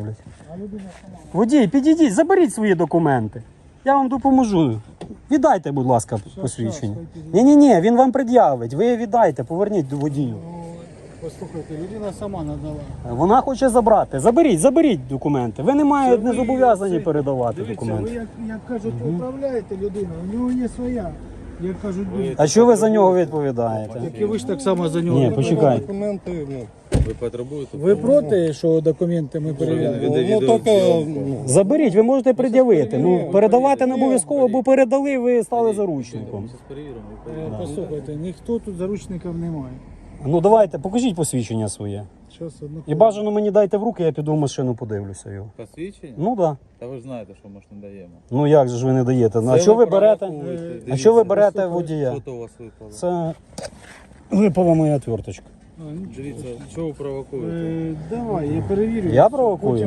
роблять. Водій, підійдіть, заберіть свої документи. Я вам допоможу. Віддайте, будь ласка, посвідчення. Ні, він вам пред'явить. Ви віддайте, поверніть до водію. Послухайте, людина сама надала. Вона хоче забрати. Заберіть документи. Ви не зобов'язані передавати Дивіться, документи. ви як кажуть, управляєте людину, у нього є своя. Як кажуть, А що ви за нього відповідаєте? як і ви ж так само за нього. Ні, почекайте. Документи, Ви потребуєте? Ви проти, що документи ми перевіряємо? ну тільки Заберіть, ви можете пред'явити. Ну, передавати не обов'язково, бо передали, ви стали заручником. Зараз перевіримо. Послухайте, ніхто тут заручників немає. Ну давайте, покажіть посвідчення своє. Щас, одну І бажано мені дайте в руки, я піду в машину, подивлюся його. Посвідчення? Ну так. Да. Та ви ж знаєте, що ми ж не даємо. Ну як же ж ви не даєте? Ну, а Це що ви берете? провокуєте. А Дивіться, що ви берете водія? Що то у вас випало? Це випала моя отверточка. Дивіться, що ви провокуєте? Давай, я перевірю. Я провокую?